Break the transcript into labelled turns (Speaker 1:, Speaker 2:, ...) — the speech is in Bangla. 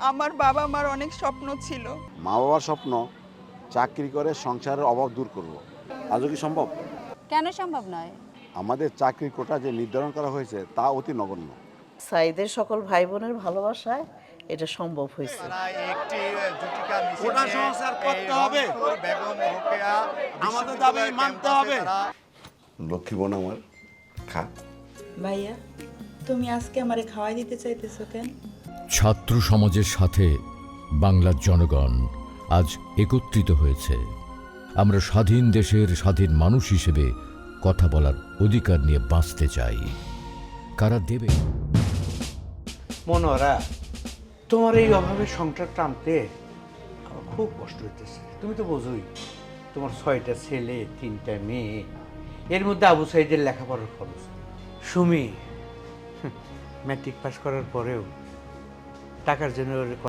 Speaker 1: আমার বাবা মার অনেক স্বপ্ন ছিল।
Speaker 2: মা বাবার স্বপ্ন চাকরি করে সংসারের অভাব দূর করব। আজও কি সম্ভব?
Speaker 3: কেন সম্ভব নয়?
Speaker 2: আমাদের চাকরির কোটা যে নির্ধারণ করা হয়েছে তা অতি নগণ্য।
Speaker 4: সাইদের সকল ভাই বোনের ভালোবাসায় এটা সম্ভব হয়েছে।
Speaker 2: কোটা সংস্কার করতে হবে, আমাদের দাবি মানতে হবে। লক্ষ্মী বোন আমার, খা।
Speaker 5: ভাইয়া, তুমি আজকে আমারে খাওয়াই দিতে চাইতেছো কেন?
Speaker 6: ছাত্র সমাজের সাথে বাংলার জনগণ আজ একত্রিত হয়েছে। আমরা স্বাধীন দেশের স্বাধীন মানুষ হিসেবে কথা বলার অধিকার নিয়ে বাঁচতে চাই। কারা দেবে?
Speaker 7: মনোহরা, তোমার এই অভাবে সংসার টানতে আমার খুব কষ্ট হইতেছে। তুমি তো বোঝোই, তোমার 6টা ছেলে 3টা মেয়ে, এর মধ্যে আবু সাইদের লেখাপড়ার খরচ। সুমি ম্যাট্রিক পাস করার পরেও টাকার জন্য